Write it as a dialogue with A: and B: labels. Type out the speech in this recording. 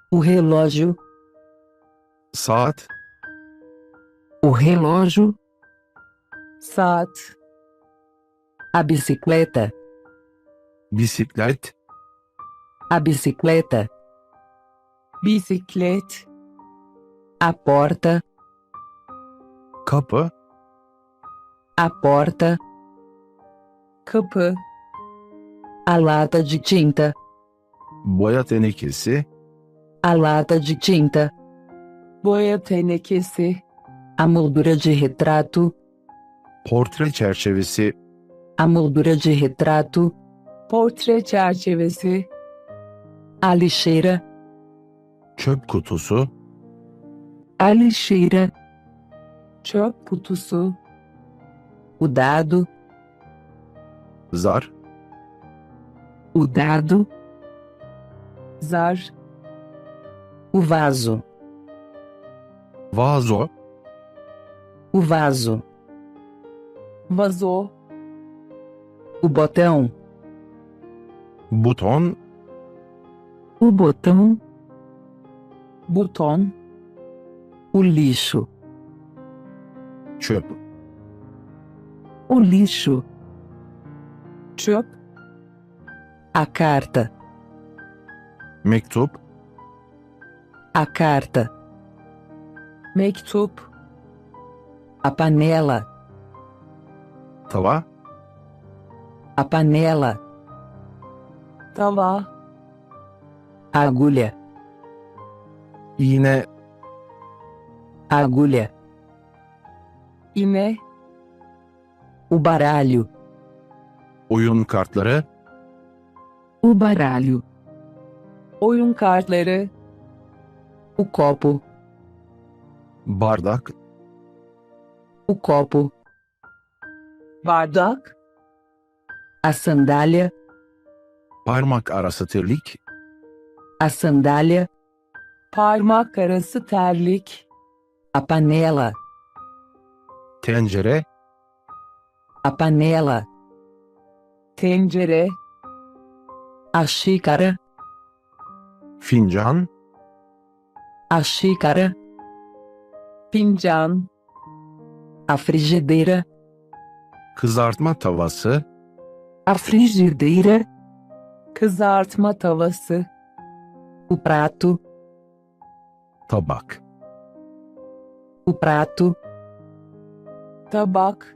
A: o relógio,
B: saat,
A: o relógio,
C: saat,
A: a bicicleta,
B: bisiklet,
A: a bicicleta,
C: bisiklet,
A: a porta,
B: kapı,
A: a porta,
C: kapı,
A: a lata de tinta,
B: boya tenekesi,
A: a lata de tinta,
C: boya tenekesi,
A: a moldura de retrato,
B: portre çerçevesi,
A: a moldura de retrato,
C: portre çerçevesi,
A: a lixeira,
B: çöp kutusu,
A: a lixeira,
C: çöp kutusu,
A: o dado,
B: zar,
A: o dado,
C: zar,
A: o vaso,
B: vazo,
A: o vaso,
C: vazo,
A: o botão,
B: buton,
A: o botão,
C: buton,
A: o lixo,
B: çöp,
A: o lixo,
C: çöp,
A: a carta,
B: mektup,
A: a carta,
C: mektup,
A: a panela,
B: tava,
A: a panela,
C: tava,
A: a agulha,
B: iğne,
A: a agulha,
C: iğne,
A: o baralho,
B: oyun kartları,
A: o baralho,
C: oyun kartları,
A: o copo,
B: bardak,
A: o copo,
C: bardak,
A: a sandália,
B: parmak arası terlik,
A: a sandália,
C: parmak arası terlik,
A: a panela,
B: tencere,
A: a panela,
C: tencere,
A: a xícara,
B: fincan,
A: a xícara,
C: fincan,
A: a frigideira,
B: kızartma tavası,
A: a frigideira,
C: kızartma tavası,
A: o prato,
B: tabak.
A: o prato,
C: tabak,